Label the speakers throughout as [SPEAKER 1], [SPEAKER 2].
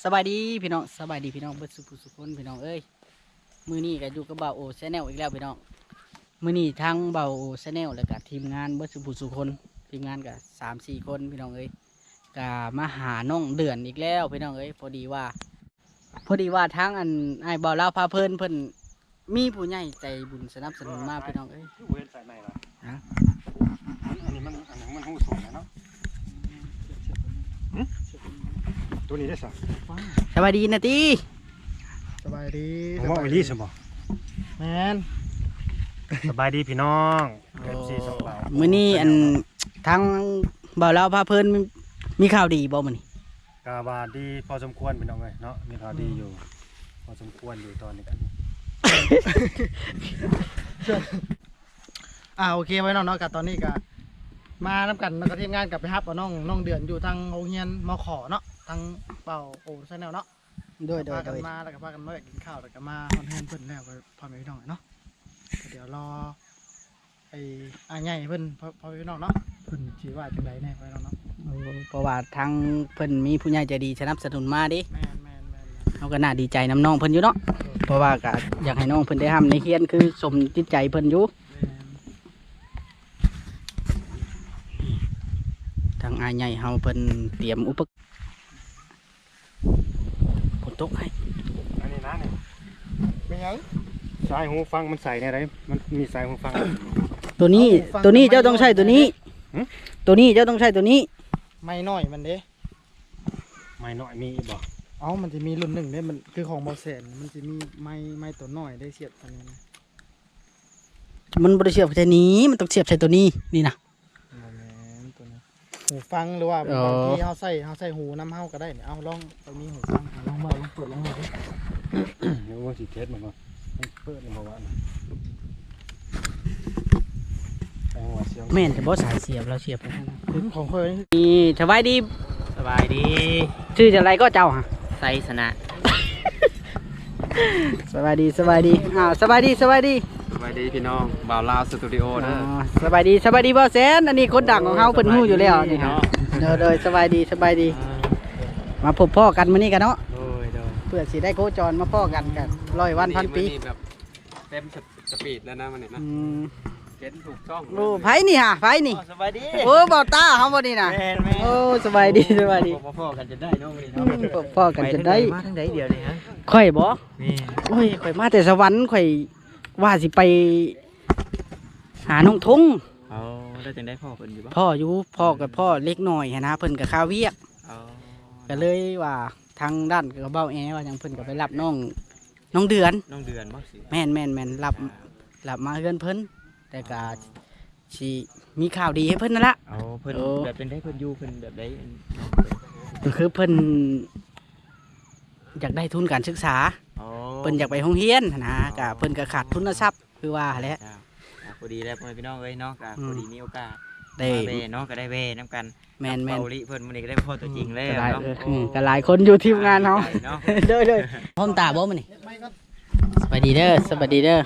[SPEAKER 1] สบายดีพี่น้องสบายดีพี่น้องเบิดสุขคนพี่น้องเอ้ยมื้อนี้ก็อยู่กับบ่าวโอชาแนลอีกแล้วพี่น้องมื้อนี้ทั้งบ่าวโอชาแนลแล้วก็ทีมงานเบิดสุขคนทีมงานก็3-4คนพี่น้องเอ้ยก็มาหาน้องเดือนอีกแล้วพี่น้องเอ้ยพอดีว่าทั้งอันไอ้บ่าวลาวพาเพิ่นมีผู้ใหญ่ใจบุญสนับสนุนมาพี่น้องเอ้ย
[SPEAKER 2] เว้นสายใหม่ละ
[SPEAKER 1] ฮะ
[SPEAKER 2] อันนี้มันหูสูงนะเนาะตัวนี้ได้สัก
[SPEAKER 1] สบายดีนะตี
[SPEAKER 3] สบายดี
[SPEAKER 2] ผมว่าไอรีสมบ่
[SPEAKER 3] แมน
[SPEAKER 2] สบายดีพี่น้องเอฟซีสองเรา
[SPEAKER 1] มื้อนี้อันทั้งบ่าวลาวพาเพิ่นมีข่าวดีบ่มื้อนี้
[SPEAKER 2] กาบาดีพอสมควรพี่น้องเลยเนาะมีข่าวดีอยู่พอสมควรอยู่ตอนนี้กัน
[SPEAKER 3] โอเคไว้น้องกับตอนนี้ก็มาน้ำกันแล้วก็ทีมงานกลับไปฮับเอาน้องเดือนอยู่ทางโรงเรียนมขเนาะทางเป่าโอ้ชาแนลเนาะ
[SPEAKER 1] โดย
[SPEAKER 3] พากันมาแล้วก็พากันมากินข้าวแล้วก็มาคอนเทนต์เพิ่นแล้วก็พอแม่พี่น้องเนาะเดี๋ยวรอไอ้อาใหญ่เพิ่นพอพี่น้องเนาะเพิ่นสิว่าจังไดแน่พี่น้องเนาะ
[SPEAKER 1] เพราะว่าทางเพิ่นมีผู้ใหญ่ใจดีสนับสนุนมาดิ
[SPEAKER 3] แมน
[SPEAKER 1] เขาก็น่าดีใจน้ำน้องเพิ่นอยู่เนาะเพราะว่าก็อยากให้น้องเพิ่นได้ทำในเฮียนคือสมจิตใจเพิ่นอยู่ทางอาใหญ่เฮาเพิ่นเตรียมอุปกรณ์ฝนตกให้
[SPEAKER 2] อันนี้นะนี่
[SPEAKER 3] เป็นยัง
[SPEAKER 2] สายหูฟังมันใส่ในอะไรมันมีสายหูฟัง
[SPEAKER 1] ตัวนี้เจ้าต้องใช้ตัวนี้ ตัวนี้เจ้าต้องใช้ตัวนี้
[SPEAKER 3] ไม่น้อยมันเด้
[SPEAKER 2] ไม่น้อยมีบ่
[SPEAKER 3] มันจะมีรุ่นหนึ่งเด้มันคือของบอแสนมันจะมีไม้ตัวน้อยได้เสียบอันนี้นะ
[SPEAKER 1] มันบ่ได้เสียบใส่นี้มันต้องเสียบใส่ตัวนี้นี่นะ
[SPEAKER 3] ตัวนี้หูฟังหรือว่า
[SPEAKER 1] อ๋อ
[SPEAKER 3] บางทีเขาใส่หูน้ำเฮาก็ได้เนี่ยเอาลองไปมีหูฟังลองเปิดลองดูดิ
[SPEAKER 2] เดี๋ยวว่าสิเทสมันบ่เปิดมันบ่ว่าแปลงว่าเสียง
[SPEAKER 1] แม่นจะบ่สายเสียบเราเสียบไปให้นะ
[SPEAKER 3] ถึงของเคย
[SPEAKER 1] นี่สบายดี
[SPEAKER 4] สบายดี
[SPEAKER 1] ชื่ออะไรก็เจ้าฮะ
[SPEAKER 4] ไซสนะ
[SPEAKER 1] สบายดีสบายดีสบายดี
[SPEAKER 4] สบายดีพี่น้องบ่าวลาวสตูดิโอเด้อ
[SPEAKER 1] สบายดีบ่แสนอันนี้คนดังของเฮาเพิ่นฮู้อยู่แล้วนี่ฮะเด้อสบายดีมาพบพ่อกันมื้อนี้กันเนาะ
[SPEAKER 4] โดย
[SPEAKER 1] เพื่อสิได้โคจรมาพ่อกันกัน100 วันพันปี
[SPEAKER 4] มื้อแบบเต็มสปีดแล้วนะมันนี่นะเห็นถูกช่อง
[SPEAKER 1] โอ้ไผนี่ฮะไผนี่
[SPEAKER 4] สบายดี
[SPEAKER 1] โอ้บ่ตาเฮาบ่นี่น่ะ
[SPEAKER 4] แม่น
[SPEAKER 1] โอ้สบายดี
[SPEAKER 4] พ่อกันจะได้น้องมื้อนี้
[SPEAKER 1] อื
[SPEAKER 4] เนาะ
[SPEAKER 1] มพ่อกันจะได้
[SPEAKER 4] มาทางใดเดียวนี่ฮะ
[SPEAKER 1] ข่อยบ่
[SPEAKER 4] นี่
[SPEAKER 1] โอ้ยข่อยมาแต่สวรรค์ข่อยว่าสิไปหาน้องทง
[SPEAKER 4] เอาได้จังได้พ่อเพิ่นอยู่บ่
[SPEAKER 1] พ่อกับพ่อเล็กน้อยหั้นนะเพิ่นก็ข้าวเวียก
[SPEAKER 4] เอา
[SPEAKER 1] ก็เลยว่าทางด้านกระเบ้าแอว่าจังเพิ่นก็ไปรับน้องเดือน
[SPEAKER 4] น้องเดือนบ่สิ
[SPEAKER 1] แม่นรับมาเฮือนเพิ่นแต่ก็สิมีข่าวดีให้เพิ่นนั่นละ
[SPEAKER 4] เอาเพิ่น
[SPEAKER 1] โอ้
[SPEAKER 4] แบบเป็นได้เพิ่นอยู่เพิ่นแบบใด
[SPEAKER 1] ก็คือเพิ่นอยากได้ทุนการศึกษา
[SPEAKER 4] อ๋อ
[SPEAKER 1] เพิ่นอยากไปโรงเรียนหั้นนะก็เพิ่นก็ขาดทุนทรัพย์คือว่าแหละ
[SPEAKER 4] พอดีแล้วพ่อพี่น้องเอ้ยเนาะก็พอดีมีโอกาส
[SPEAKER 1] ได้
[SPEAKER 4] มาเวเนาะก็ได้เวน้ำกัน
[SPEAKER 1] แม่น
[SPEAKER 4] เบาลิเพิ่นมื้อนี้ก็ได้พ่อตัวจริงแล้ว
[SPEAKER 1] ก็หลาย
[SPEAKER 4] เนาะ
[SPEAKER 1] ก็หลายคนอยู่ทีมงานเฮา
[SPEAKER 4] เนาะ
[SPEAKER 1] เด้อพร้อมตาบ่มื้อนี้สวัสดีเด้อ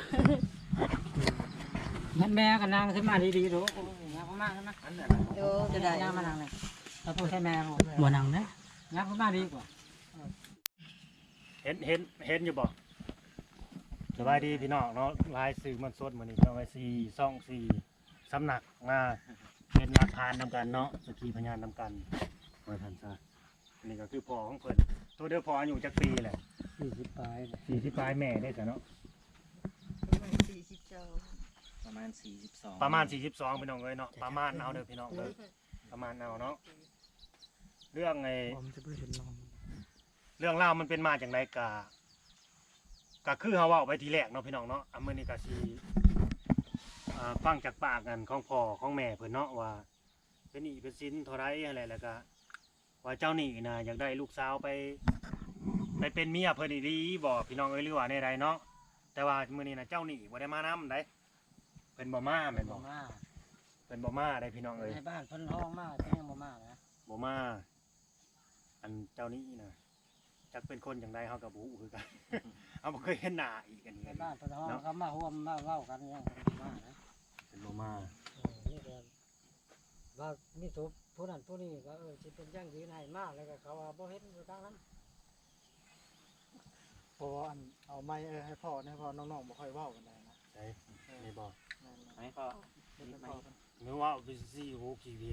[SPEAKER 5] แม่ก็นั่งขึ้นมาดีๆดูยักษ์มากนะจะได้นั่งมานั่งเลยเราพูดให้แม่ผม
[SPEAKER 1] บ่นั่งนะ
[SPEAKER 5] ยักษ์มากดีกว่า
[SPEAKER 2] เห็นอยู่บ่สบายดีพี่น้องเนาะลายสื่อมันสดมื้อนี้เอาไว้4 สำนักมาเป็นอาคารนำกันเนาะสกีพยานนำกันมาทันซะนี่ก็คือพ่อของเพิ่นตัวเดียวพ่ออายุจักปีแหละ
[SPEAKER 3] 40ปลาย
[SPEAKER 2] 40ปลายแม่ได้ซะเนาะ
[SPEAKER 4] ประมาณ42
[SPEAKER 2] ประมาณ42พี่น้องเอ้ยเนาะประมาณเอาเด้อพี่น้องเด้อประมาณเอาเนาะเรื่องไอ้
[SPEAKER 3] ผมจะไปเห็นน้อง
[SPEAKER 2] เรื่องราวมันเป็นมาจากไหนก็คือเฮาเว้าไปทีแรกเนาะพี่น้องเนาะมื้อนี้ก็สิฟังจากปากกันของพ่อของแม่เพิ่นเนาะว่าเป็นหนี้เป็นสินเท่าไรอะไรแล้วก็ว่าเจ้าหนี้น่ะอยากได้ลูกสาวไปเป็นเมียเพิ่นอีหลีบ่พี่น้องเอ้ยหรือว่าในใดเนาะแต่ว่ามื้อนี้น่ะเจ้าหนี้บ่ได้มานำได้เพิ่นบ่มาแม่นบ่
[SPEAKER 5] มา
[SPEAKER 2] เพิ่นบ่มาได้พี่น้องเอ้ย
[SPEAKER 5] ในบ้านเพิ่นห้องมากแต่ยังบ่มานะ
[SPEAKER 2] บ่มาอันเจ้าหนี้น่ะจักเป็นคนจังไดเฮาก็บ่ฮู้คือกัน เอาบ่เคยเห็นหน้าอีกอันนี้
[SPEAKER 5] ในบ้านเพิ่นห้องเขามาห่วมมาเว้ากันยังมานะ
[SPEAKER 2] เป็นบ่มา
[SPEAKER 5] นี่ก็ว่ามีทุบผู้นั้นผู้นี้ก็สิเป็นย่างยืนให้มาแล้วก็เขาว่าบ่เห็นอยู่ทางนั้น
[SPEAKER 3] เพราะว่าอันเอาไม้ให้พ่อเนี่ยพ่อน้องๆบ่ค่อยเว้ากันได้นะ
[SPEAKER 2] ใช่นี่บอก
[SPEAKER 3] นั่น
[SPEAKER 4] ให้พ่อ
[SPEAKER 3] ๆเป็นพ่อกัน
[SPEAKER 2] นึกว่าวิซี่โหกีวิต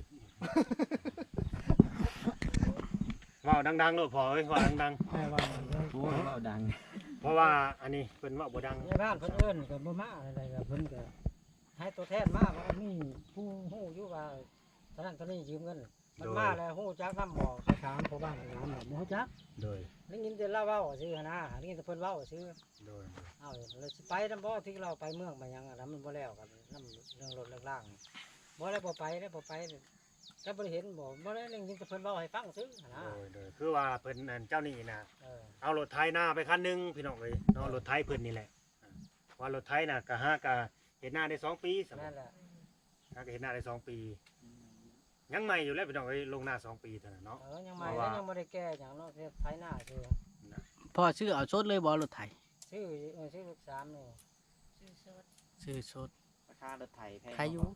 [SPEAKER 2] ว่าดังๆโลดพอเอ้ยว่าดัง
[SPEAKER 3] แม่ว่า
[SPEAKER 4] โอ้ยเบาดัง
[SPEAKER 2] ๆเพราะว่าอันนี้เป็นว่าบ่ดัง
[SPEAKER 5] ในบ้านเพิ่นเอิ้นก็บ่มาอะไรก็เพิ่นก็ให้ตัวแทนมาว่ามีผู้ฮู้อยู่ว่าตอนนั้นตอนนี้ยืมเงินมันมาแล้วฮู้จักนำบ่ไปถามพ่อบ้านถามบ่ฮู้จัก
[SPEAKER 2] โดย
[SPEAKER 5] ได้ยินแต่เล่าเว้าซื่อหั่นนะได้ยินแต่เพิ่นเว้าซื่อ
[SPEAKER 2] โดย
[SPEAKER 5] เอ้าเราสิไปนำบ่ที่เราไปเมืองไปหยังอะนะมันบ่แล้วกันนำเรื่องรถเรื่องล่างนี่บ่ได้บ่ไปได้บ่ไปก็บ่ได้เห็นบ่ได้ได้ยินแต่เพิ่นเว้าให้ฟังซื่อหั่นนะ
[SPEAKER 2] โดยคือว่าเพิ่นอันเจ้านี่นะ
[SPEAKER 5] เออ
[SPEAKER 2] เอารถไถหน้าไปคันหนึงพี่น้องเอ้ยเนาะรถไถเพิ่นนี่แหละว่ารถไถน่ะก็หากะเฮ็ดหน้าได้2ปีสำห
[SPEAKER 5] นั่
[SPEAKER 2] รับ
[SPEAKER 5] นแหละ
[SPEAKER 2] หากะเฮ็ดหน้าได้2ปียังใหม่อยู่แล้วพี่น้องเอ้ยลงหน้า2ปีเท่านั้นเนาะ
[SPEAKER 5] ยังใหม่แล้วยังบ่ได้แก้หยังเนาะไถหน้าซื่อ
[SPEAKER 1] พ่อชื่อเอาชดเลยบ่รถไถ
[SPEAKER 5] ชื่อลูกสามนี่
[SPEAKER 1] ชื่อชด
[SPEAKER 4] ราคารถไถแพง
[SPEAKER 1] ใครอยู่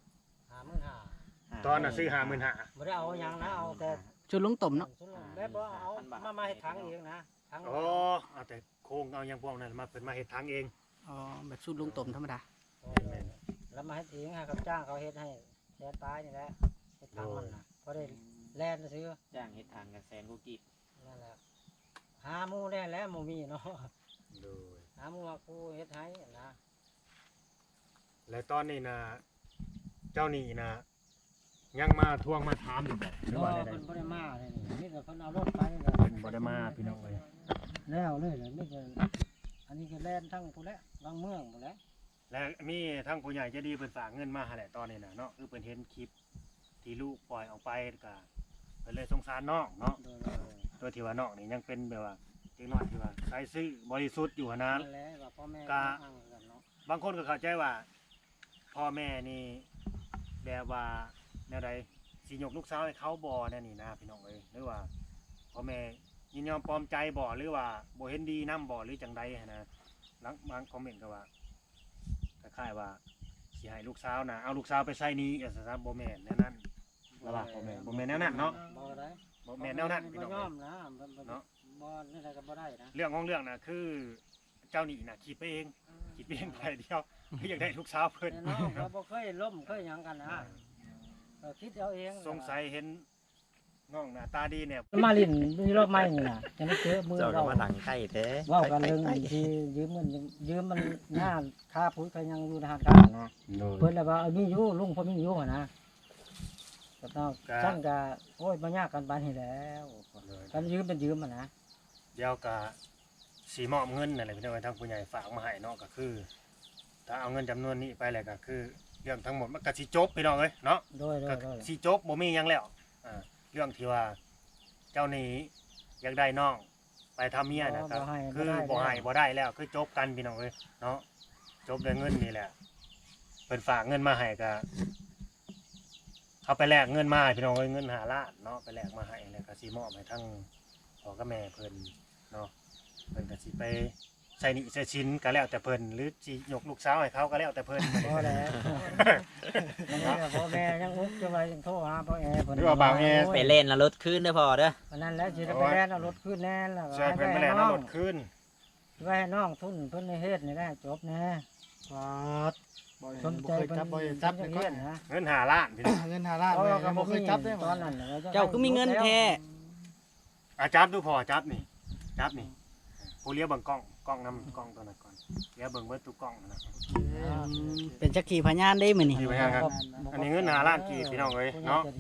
[SPEAKER 5] 55,000
[SPEAKER 2] ตอนน่ะซื้อ55,000
[SPEAKER 5] บ่ได้เอาหยังนะเอาแต่
[SPEAKER 1] จุดลงต่มเนาะ
[SPEAKER 5] แบบว่าเอามาให้ถังเองนะถัง
[SPEAKER 2] อ๋อเอาแต่โครงเอาอย่างพวกนั้นมาเพิ่นมาเฮ็ดทางเอง
[SPEAKER 1] อ๋อแบบชุดลงต่มธรรมดา
[SPEAKER 5] แล้วมาให้เองให้เขาจ้างเขาเฮ็ดให้แสนปลายนี่แหละเฮ็ดถังมันน่ะพอได้แล่นซื้อ
[SPEAKER 4] จ้างเฮ็ดทางกันแสนกูกีบ
[SPEAKER 5] นั่นแหละหาหมู่แล่นแล้วหมู่มีเนาะ
[SPEAKER 2] โดย
[SPEAKER 5] หาหมู่ว่ากูเฮ็ดให้นะ
[SPEAKER 2] และตอนนี้นะเจ้านี่นะยังมาทวงมาถามอยู่บ่หรือว่าได้
[SPEAKER 5] เพิ่นบ่ได้มาเลยนี่มีแต่เพิ่นเอารถไป
[SPEAKER 2] บ่ได้มาพี่น้องเอ้ย
[SPEAKER 5] แล้วเลยมีแต่อันนี้ก็แล่นทั้งพุ่นแหละบางเมืองพุ่นแหละ
[SPEAKER 2] และมีทั้งผู้ใหญ่ใจดีเพิ่นฝากเงินมาให้แหละตอนนี้น่ะเนาะคือเพิ่นเห็นคลิปที่ลูกปล่อยออกไปก็เพิ่นเลยสงสารน้องเนาะ
[SPEAKER 5] โดย
[SPEAKER 2] ตัวที่ว่าน้องนี่ยังเป็นแบบว่าเด็กน้อยที่ว่าใช้ซื่อบริสุทธิ์อยู่หั้นนะ
[SPEAKER 5] นั่นแหละว่าพ่อแม่
[SPEAKER 2] กะ
[SPEAKER 5] อ้างกันเนาะ
[SPEAKER 2] บางคนก็เข้าใจว่าพ่อแม่นี่แบบว่าแนวใดสิยกลูกสาวให้เขาบ่แน่นี่นะพี่น้องเอ้ยหรือว่าพ่อแม่ยินยอมปลอมใจบ่หรือว่าบ่เห็นดีนํบ่หรือจังใดหั้นนะหลังบางคอมเมนต์ก็ว่าคล้ายๆว่าสิให้ลูกสาวนะเอาลูกสาวไปใส่หนี้ซะบ่แม่นแนวนั้นแล้วว่าบ่แม่นแนวนั้นเนาะ
[SPEAKER 5] บ่ได้
[SPEAKER 2] บ่แม่นแนวนั้นพี่
[SPEAKER 5] บ่
[SPEAKER 2] น้อง
[SPEAKER 5] ย
[SPEAKER 2] เอ้
[SPEAKER 5] อย มนะบ่
[SPEAKER 2] เนาะ
[SPEAKER 5] บ่นี่อะไรก็บ่ได้นะ
[SPEAKER 2] เรื่องของเรื่องน่ะคือเจ้าหนี้น่ะคิดไปเองคิดไปเองไปเดียวคืออยากได้ลูกสาวเพิ่น
[SPEAKER 5] แต่น้องก็บ่เคยล้มเคยหยังกันนะก็คิดเอาเอง
[SPEAKER 2] สงสัยเห็นน้องหน้าตาดีเนี่ย
[SPEAKER 5] มาลิ้นมีรอบใหม่นี่น่ะจะไม่เจอมือ
[SPEAKER 6] เจ้าก็
[SPEAKER 5] เรา
[SPEAKER 6] มาดังใกล้แท้
[SPEAKER 5] เว้ากันเรื่องที่ยืมเงินยืมมันงานค่าปุ๋ยก็ยังอยู่ในธนาคารนะเพิ่นแล้วว่ามีอยู่ลุงพอมีอยู่นะก็ต้องซั่นก็โอ้ยบ่ยากกันปานนี้แล้วกันยืมเป็นยืมนะ
[SPEAKER 2] เดี๋ยวก็สีมอบเงินนั่นแหละพี่น้องทางผู้ใหญ่ฝากมาให้เนาะก็คือ ถ้าเอาเงินจำนวนนี้ไปแล้วก็คือเรื่องทั้งหมดมันก็สิจบพี่น้องเอ้ยเนาะ
[SPEAKER 5] โดย
[SPEAKER 2] ก็สิจบบ่มีหยังแล้วเรื่องที่ว่าเจ้าหนี้อยากได้น้องไปทำเมียนะครับคือบ่ให้บ่ได้แล้วคือจบกันพี่น้องเอ้ยเนาะจบด้วยเงินนี่แหละเพิ่นฝากเงินมาให้ก็เอาไปแลกเงินมาให้พี่น้องเอ้ยเงิน5 ล้านเนาะไปแลกมาให้แล้วก็สิมอบให้ทั้งพ่อกับแม่เพิ่นเนาะเพิ่นก็สิไปใส่หนี้ใส่สินก็แล้วแต่เพิ่นหรือสิยกลูกสาวให้เขาก็แล้วแต่เพิ่น
[SPEAKER 5] พอแล้วพ่อแม่ยังอุกจะไปยังโทรหาพ่อแอร์
[SPEAKER 2] หรือว่าบางแอร์
[SPEAKER 6] ไปเล่นแล้วรถขึ้นเด้อพอเด้อ
[SPEAKER 5] วันนั้นแล้วสิได้ไปแล่นเอารถขึ้นแน่แล้ว
[SPEAKER 2] ใช่เพิ่นไปแล้วเอารถคืน
[SPEAKER 5] ไว้ให้น้องทุนเพิ่นในเฮ็ดนี่ได้จบแน่
[SPEAKER 3] ฟาดบ่
[SPEAKER 5] สนใจ
[SPEAKER 3] เคย
[SPEAKER 5] เพิ่น
[SPEAKER 3] จับบ่จับ
[SPEAKER 5] เฮ็
[SPEAKER 3] เงิ
[SPEAKER 5] ด
[SPEAKER 3] น
[SPEAKER 5] นะ
[SPEAKER 2] เงิน5 ล้านพี่น้อง
[SPEAKER 3] เงิน5 ล้านเลยยังบ่เคยจับได้
[SPEAKER 5] ตอนนั้น
[SPEAKER 1] เจ้าก็มีเงินแท้
[SPEAKER 2] จับดูพอจับนี่จับนี่ผู้เลี้ยงเบิ่งกล้องนำกล้องตัวนั้นก่อนเลี้ยงเบิ่งเบิดทุกกล้องนั่นน่ะ
[SPEAKER 1] เป็นจักขีพยานได้มื้อนี้
[SPEAKER 2] มีไว้ให้ครับ อันนี้เงิน5 ล้านกี่พี่น้องเอ้ยเนาะ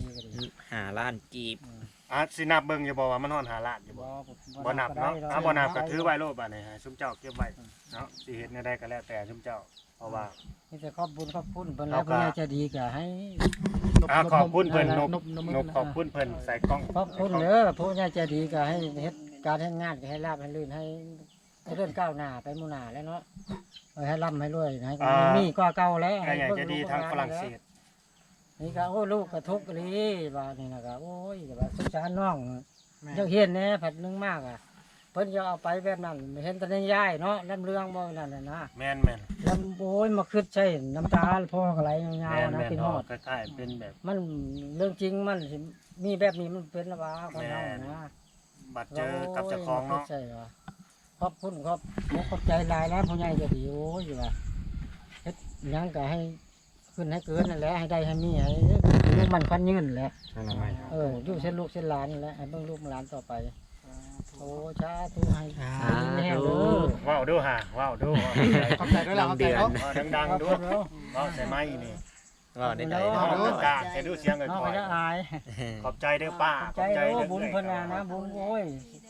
[SPEAKER 6] 5 ล้านกีบ
[SPEAKER 2] สินับเบิ่งอยู่บ่ว่ามันฮอด5 ล้านอยู่บ่บ่นับเนาะบ่นับก็ถือไว้โลดบัดนี้ให้ซุมเจ้าเก็บไว้เนาะสิเฮ็ดแนวใดก็แล้วแต่ซุมเจ้าเพราะว่า
[SPEAKER 5] มีแต่ขอบคุณเพิ่นแล้วเพิ่นจะดีก็ให้
[SPEAKER 2] ขอบคุณเพิ่นนบ
[SPEAKER 3] นบ
[SPEAKER 2] ขอบคุณเพิ่นใส่กล้อง
[SPEAKER 5] ขอบคุณเด้อผู้ใหญ่ใจดีก็ให้เฮ็ดการเฮ็ดงานก็ให้ราบให้ลื่นให้เดินก้าวหน้าไปหมู่หน้าแล้วเนาะให้ร่ำให้รวยให้มีก็เก่าแล้ว
[SPEAKER 2] ก็อยากจะดีทางฝรั่งเศส
[SPEAKER 5] นี่ก็โอ้ลูกก็ทุกข์เลยว่านี่นะก็โอ้ยว่าสงสารน้องอยากเห็นแน่ผัดนึงมากอ่ะเพิ่นจะเอาไปแบบนั้นเห็นแต่ในยายเนาะลำเรื่องบ่นั่นน่ะนะ
[SPEAKER 2] แม่น
[SPEAKER 5] ลำโอ้ยมาคิดใช่น้ำตาพ่อก็ไหลยาวๆนะเป็นฮอด
[SPEAKER 2] คล้ายๆเป็นแบบ
[SPEAKER 5] มันเรื่องจริงมันสิมีแบบนี้มันเป็นละว่าคนเรานะ
[SPEAKER 2] บัดเจอกับเจ้าของเนาะ
[SPEAKER 5] ใช่ว่าขอบคุณครับขอบใจหลายแล้วผู้ใหญ่จะดีโอ้ยว่าเฮ็ดหยังก็ให้ขึ้นให้เกินนั่นแหละให้ได้ให้มีให้ลูกมันควันยืนแหละอยู่เส้นลูกเส้นหลานนี่แหละให้เบิ่งลูกหลานต่อไปโอ้ชาธุให้แน่เด้อ
[SPEAKER 2] ว้าวดูฮะว้าวดู
[SPEAKER 3] ขอบใจด้วยล่ะขอบใจเนาะ
[SPEAKER 2] ดังๆดูว้าวใส่ไม้นี่
[SPEAKER 6] ว่าได้ใจ
[SPEAKER 2] ว้าว
[SPEAKER 6] เนาะ
[SPEAKER 2] กล้าใส่ดูเสียง
[SPEAKER 5] น้อง
[SPEAKER 2] ค่อ
[SPEAKER 5] ก็
[SPEAKER 2] ย
[SPEAKER 5] จะอาย
[SPEAKER 2] ๆขอบใจเด้อป้า
[SPEAKER 5] ใจเด้อบุญเพิ่นว่านะบุญโอ้ย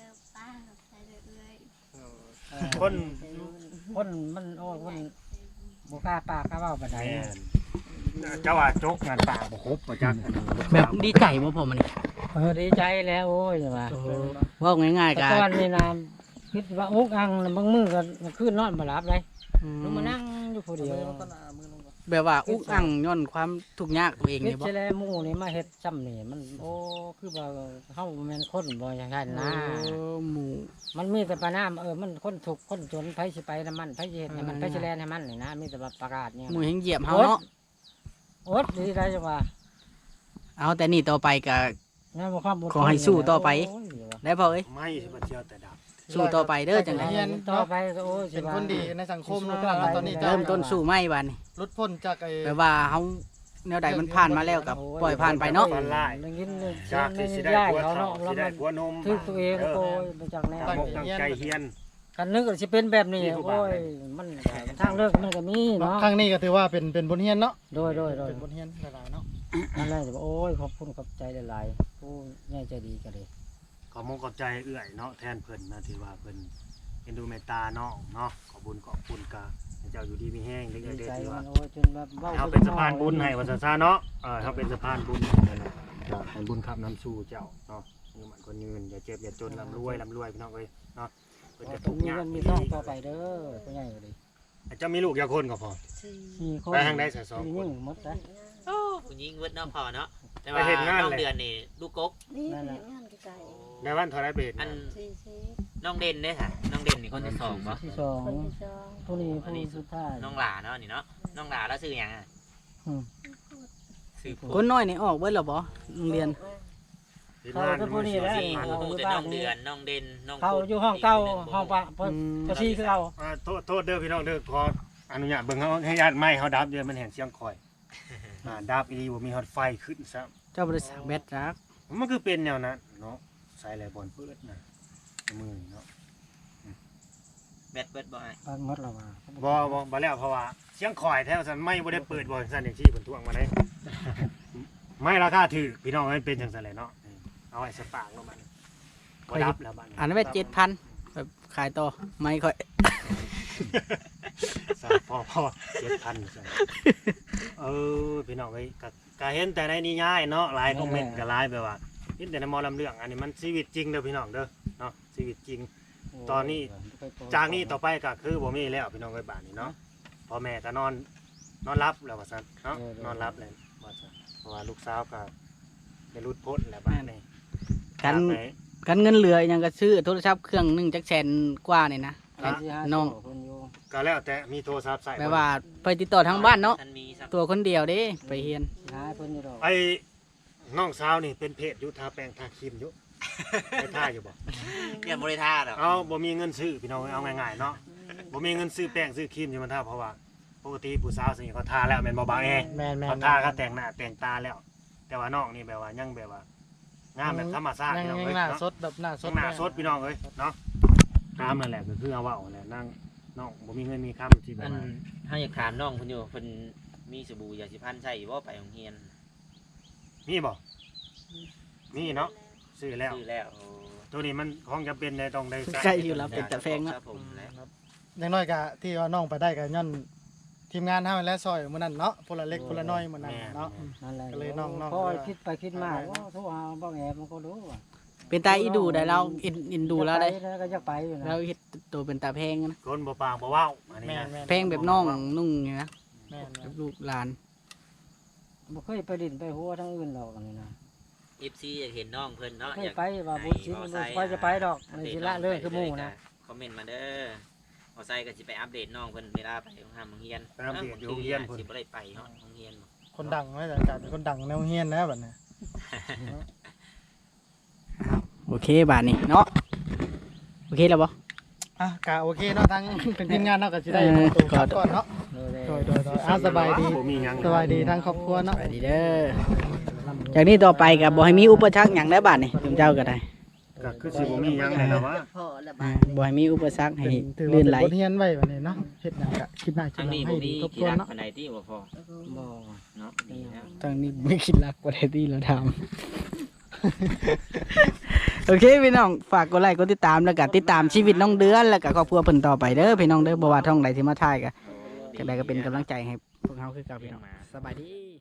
[SPEAKER 2] คน
[SPEAKER 5] คนมันโอ้ยคนบ่กล้าปากกล้าเว้าปานใด
[SPEAKER 2] แม่นเจ้าว่าจกงานป่าบ่ครบบ่จัก
[SPEAKER 1] แบบดีใจบ่ผมอันนี้
[SPEAKER 5] ดีใจแล้วโอ้ยว่า
[SPEAKER 1] เว่าง่ายๆ
[SPEAKER 5] แต่
[SPEAKER 1] กัน
[SPEAKER 5] ก่อนนี่นะคิดว่าอุกอังบางมื้อก็คืนนอนบ่หลับเลยลงมานั่งอยู่ผู้เดียว
[SPEAKER 1] แบบว่าอุกอังย้อนความทุกข์ยากตัวเอง
[SPEAKER 5] คิ
[SPEAKER 1] นี่
[SPEAKER 5] ด
[SPEAKER 1] บ่
[SPEAKER 5] จะแลหมู่นี่มาเฮ็ดซ้ำนี่มันโอ้คือว่าเฮาบ่แม่นคนบ่อย่างนั้นนะ
[SPEAKER 1] หมู่
[SPEAKER 5] มันมีแต่ปานามมันคนทุกข์คนจนไผสิไปนำมันไผสิเฮ็ดให้มันไผสิแลนให้มันนี่นะมีแต่ว่าประกาศเนี่ย
[SPEAKER 1] หมู่แห่งเหยียบเฮาเนาะ
[SPEAKER 5] อดดีได้จังว่า
[SPEAKER 1] เอาแต่นี่ต่อไปก็
[SPEAKER 5] งั้นบ่ความบ่
[SPEAKER 1] ขอให้สู้ต่อไป
[SPEAKER 5] โย
[SPEAKER 1] ได้พอเอ้ย
[SPEAKER 2] ไม่สิบ่เที่ยวแต่ดับ
[SPEAKER 1] สู้ต่อไปเด้อจังได๋
[SPEAKER 5] ต่อไปก็โอ้ยสิ
[SPEAKER 3] เป็น
[SPEAKER 5] ว่า
[SPEAKER 3] คนดีในสังคมเนาะแล้วตอนนี้
[SPEAKER 1] เริ่มต้นสู้ใหม่บัดนี้
[SPEAKER 3] ลดพ้นจากไอ้
[SPEAKER 1] แบบว่าเฮาแนวใดมันผ่านมาแล้วก็ปล่อยผ่านไปเนาะ
[SPEAKER 2] ฝันร้าย
[SPEAKER 5] ได้ยินเลย
[SPEAKER 2] จากที่สิได้
[SPEAKER 5] ย้าย
[SPEAKER 2] ผัว
[SPEAKER 5] เขา
[SPEAKER 2] เฒ่า
[SPEAKER 5] เนาะแล้ว
[SPEAKER 2] สิได้
[SPEAKER 5] มัน
[SPEAKER 2] ผัวนม
[SPEAKER 5] ทึกตัวเองโอ้ยบ่จักแน่
[SPEAKER 2] ตั้งอกตั้งใจเฮียน
[SPEAKER 5] กันนึกว่าสิเป็นแบบนี้
[SPEAKER 2] ที่ผู้บ่า
[SPEAKER 5] โอ้
[SPEAKER 2] วย
[SPEAKER 5] มันทางเลือกมันก็มีเนาะ
[SPEAKER 3] ครั้งนี้ก็ถือว่าเป็นบทเรียนเนาะ
[SPEAKER 5] โดย
[SPEAKER 3] เป็นบทเรียนหลายๆเนาะ
[SPEAKER 5] นั่นแหละจะบอกโอ้ยขอบคุณขอบใจหลายๆผู้ใหญ่ใจดีกันเลย
[SPEAKER 2] ขอมงขอบใจเอื้อยเนาะแทนเพิ่นนะที่ว่าเพิ่นเอ็นดูเมตตาน้องเนาะขอบุญขอบคุณกะให้เจ้าอยู่ดีมีแห้งเด็ก
[SPEAKER 5] ดี
[SPEAKER 2] ๆ
[SPEAKER 5] ใจ
[SPEAKER 2] ที่
[SPEAKER 5] มั
[SPEAKER 2] ว่าน
[SPEAKER 5] โอ้ยจนแบบว้
[SPEAKER 2] เฮาเป็นสะพานบุญให้ว่าซั่นซะเนาะเฮาเป็นสะพานบุญให้เนาะก็ให้บุญขับน้ำสู่เจ้าเนาะอยู่มันคนยืนอย่าเจ็บอย่าจนร่ำรวยพี่น้องเอ้ยเนาะเพิ่นจะ
[SPEAKER 5] ต้
[SPEAKER 2] ทุ
[SPEAKER 5] อง
[SPEAKER 2] กข์
[SPEAKER 5] มี
[SPEAKER 2] ยาก
[SPEAKER 5] เงินมีทองต่อไปเด้อผู้ใหญ่ก็ดี
[SPEAKER 2] เจ้ามีลูกอย่าคนก็พอ
[SPEAKER 5] 4 คน
[SPEAKER 2] ไปทางใดซะสองคน
[SPEAKER 5] ยิ่งหมดนะ
[SPEAKER 6] โอ้ผู้หญิงเวิดเนาะพอเนาะแต่
[SPEAKER 2] ไป
[SPEAKER 6] ว่า
[SPEAKER 2] เฮ็ดงาน
[SPEAKER 6] น้อง
[SPEAKER 2] เลย
[SPEAKER 6] เดือนนี่ลูกกก
[SPEAKER 7] นี่เป็นงานไกล
[SPEAKER 2] ในวันเท่าไรเบส
[SPEAKER 6] อัน
[SPEAKER 7] ๆสี่สิบ
[SPEAKER 6] น้องเด่นเด้ค่ะน้องเด่นนี่คนที่สองบ่
[SPEAKER 5] ที่สอง
[SPEAKER 7] คนที่สอง
[SPEAKER 5] ผู้นี้ผู้สุดท้าย
[SPEAKER 6] น้องหลาเนาะนี่เนาะน้องหลาแล้วชื่อหยังอะ
[SPEAKER 5] อืม
[SPEAKER 6] ชื่อ
[SPEAKER 1] คนน้อยนี่ออกเบิดแล้วบ่โรงเรียน
[SPEAKER 2] เฮ็ดงาน
[SPEAKER 5] เขาเป็นผู้นี้แหละ
[SPEAKER 6] ที่ฮู้แต่น้องเดือนน้องเด่นน้อง
[SPEAKER 5] เขา
[SPEAKER 6] ปุ๊
[SPEAKER 5] อยู่ห้องเก่าห้องปะ
[SPEAKER 1] อืม
[SPEAKER 5] ปะชีคือเอา
[SPEAKER 2] โทษเด้อพี่น้องเด้อขออนุญาตเบิ่งเฮาให้ญาติไม้เฮาดับเดี๋ยวมันแห่งเสียงคอยดับอีหลีบ่มีฮอตไฟขึ้นซะ
[SPEAKER 1] เจ้าบริษัทแบตรัก
[SPEAKER 2] มันคือเป็นแนวนั้นเนาะใส่อะไรบอลเปิดนะมือเนาะ
[SPEAKER 6] แบตเบิดบ่อ้าย
[SPEAKER 5] บ้านหมดแล้วว่า
[SPEAKER 2] บ่แล้วเพราะว่าเสียงคอยแท้ซั่นไม่บ่ได้เปิดบ่ซั่นอย่างที่เพิ่นทวงมาได้ ไม่ราคาถูกพี่น้องมันเป็นจังซั่นแหละเนาะเอาไว้สปากลงมาบ่ดับแล้วบัดนี้
[SPEAKER 1] อันนั้นไป7,000แบบขายต่อไม่ค่อย
[SPEAKER 2] สาพอ7,000ซั่นพี่น้องเอ้ยก็เห็นแต่ในนิยายเนาะหลายคอมเมนต์ก็หลายแบบว่าเห็นแต่ในหมอลำเรื่องอันนี้มันชีวิตจริงเด้อพี่น้องเด้อเนาะชีวิตจริง ตอนนี้ จากนี้ต่อไปก็คือบ่มีแล้วพี่น้องเอ้ยบ้านนี้เนาะพ่อแม่ก็นอนรับแล้วว่าซั่นเนาะนอนรับแล้วว่าซั่นเพราะว่าลูกสาวก็ได้รุดพ้นแล้วบ้านนี้
[SPEAKER 1] กัน
[SPEAKER 2] จากไห
[SPEAKER 1] กันเงินเหลือหยังก็ซื้อโทรศัพท์เครื่องหนึงจักแสนกว่านี่นะ น้อง
[SPEAKER 2] ก็แล้วแต่มีโทรศัพท์ใส่
[SPEAKER 1] แบบว่าไปติดต่อทางบ้านเนาะ
[SPEAKER 6] ท่านมีสัก
[SPEAKER 1] ตัวคนเดียวเด้ไปเฮียน
[SPEAKER 5] หาเพิ่นอยู่ดอก
[SPEAKER 2] ไอ้น้องสาวนี่เป็นเพจอยู่ทาแป้งทาครีมอยู่ไปท่าอยู่บ่
[SPEAKER 6] เนี่ยบ่ได้ท่าดอก
[SPEAKER 2] เอาบ่มีเงินซื้อพี่น้องเอาง่ายๆเนาะบ่มีเงินซื้อแป้งซื้อครีมอยู่มันท่าเพราะว่าปกติผู้สาวสิเขาทาแล้วแม่นบ่บางแอ
[SPEAKER 3] แม่น
[SPEAKER 2] เขาทาเขาแต่งหน้าแต่งตาแล้ว แต่ว่าน้องนี่แบบว่ายังแบบว่างามแบบธรรมชาติ
[SPEAKER 3] ยัง
[SPEAKER 2] พี่น้อง
[SPEAKER 3] ยั
[SPEAKER 2] เอ้
[SPEAKER 3] ง
[SPEAKER 2] ย
[SPEAKER 3] หน้า
[SPEAKER 2] เนาะ
[SPEAKER 3] สดแบบหน้าส
[SPEAKER 2] ต้
[SPEAKER 3] ด
[SPEAKER 2] องหน้าสดพี่น้องเอ้ยเนาะตามนั่นแหละก็คือเอาเว้าแหละนั่งน้องบ่มีเงินมีคำที่แบ
[SPEAKER 6] อั
[SPEAKER 2] บ
[SPEAKER 6] น
[SPEAKER 2] ว่า
[SPEAKER 6] เฮาอยากถามน้องเพิ่นอยู่เพิ่นมีสบู่ยาสีฟันใช้บ่ไปโรงเรียน
[SPEAKER 2] มีบ่มีเนาะซื้อแล้ว
[SPEAKER 6] ซื้อแล้วโอ้
[SPEAKER 2] ตัวนี้มันของจะเป็นได้ต้องได้
[SPEAKER 1] ใกล้อยู่แล้วเป็นแต่แพง
[SPEAKER 6] ค
[SPEAKER 1] เนาะ
[SPEAKER 6] รับผมและ
[SPEAKER 3] อย่างน้อยก็ที่ว่าน้องไปได้ก็ย้อนทีมงานเฮาและซอยมื้อนั้นเนาะพลเล็กพลน้อยมื้อนั้นเนาะ
[SPEAKER 5] นั่นแหละ
[SPEAKER 3] ก็เลยน้องๆ
[SPEAKER 5] พอคิดไปคิดมาว่าโทรหาบ่แอบมันก็รู้ว่า
[SPEAKER 1] เป็นตาอีดูได้เราอินดูแล้วได้
[SPEAKER 5] แล้วก็อยากไปอยู่นะ
[SPEAKER 1] เราเฮ็ดตัวเป็นตาแพงนะ
[SPEAKER 2] คนบ่ปากบ่เว้าอันนี้
[SPEAKER 3] แม่
[SPEAKER 2] นะ
[SPEAKER 3] น
[SPEAKER 1] แพงแบบน้องนุ่งนี่นะ
[SPEAKER 3] แม่น
[SPEAKER 1] แบบลูกหลาน
[SPEAKER 5] บ่เคยไปดินไปหัวทั้งอื่นหรอกอันนี้นะ
[SPEAKER 6] FC อยากเห็นน้องเพิ่นเนาะ
[SPEAKER 5] เค
[SPEAKER 6] อย ยาก
[SPEAKER 5] ไปว่าบุญชิ้นบ่ค่อยจะไปดอกในสิละเลยคือหมู่นะ
[SPEAKER 6] คอมเมนต์มาเด้อเอาใส่ก็สิไปอัปเดตน้องเพิ่นเวลาไปโรงเรียน
[SPEAKER 2] ไปอัปเดตอยู่โรงเรียนพุ่น
[SPEAKER 6] สิบ่ได้ไปเนาะโรงเรียน
[SPEAKER 3] คนดังไว้แต่กลายเป็นคนดังแนวเฮียนแล้วบัดนี้
[SPEAKER 1] โอเคบาทนี้เนาะโอเคแล้วบ่
[SPEAKER 3] โกะโอเคเนาะทั้งเป็นทีมงานเนาะก็สิได้ตัวกลับก่อนเนาะโดยสบายดี
[SPEAKER 2] บ่มีหยัง
[SPEAKER 3] สบายดีทั้งครอบครัวเนาะ
[SPEAKER 1] สวัสดีเด้อจากนี้ต่อไปก็บ่ให้มีอุปสรรคหยังได้บาดนี่เจ้าก็ได้
[SPEAKER 2] ก็คือสิบ่มีหยังเลยนะว่า
[SPEAKER 1] บ่ให้มีอุปสรรคให้
[SPEAKER 3] ถือว่า
[SPEAKER 1] ลื่น
[SPEAKER 3] เป็น
[SPEAKER 1] ไหล
[SPEAKER 3] บทเรียนไว้วันนี้เนาะเฮ็ดหยังก็คิดหน้าคิ
[SPEAKER 6] ทา
[SPEAKER 3] ด
[SPEAKER 6] ง
[SPEAKER 3] หลัง
[SPEAKER 6] นี้
[SPEAKER 3] ให้
[SPEAKER 6] บ่
[SPEAKER 3] ดี
[SPEAKER 6] มี
[SPEAKER 3] ทบท
[SPEAKER 6] กี่
[SPEAKER 3] วน
[SPEAKER 6] รัก
[SPEAKER 3] เนาะ
[SPEAKER 6] ปานใดที่บ่พอ
[SPEAKER 5] บ่
[SPEAKER 6] เนาะดีแล้ว
[SPEAKER 1] ทางนี้ไม่คิดรักบ่ได้ที่เราทำ โอเคพี่น้องฝากกดไลค์กดติดตามแล้วก็ติดตามชีวิตน้องเดือนแล้วก็ครอบครัวเพิ่นต่อไปเด้อพี่น้องเด้อบ่ว่าท่องใดที่มาถ่ายก็จังใดก็เป็นกำลังใจให้พวกเฮาคือเก่าพี่น้องสบายดี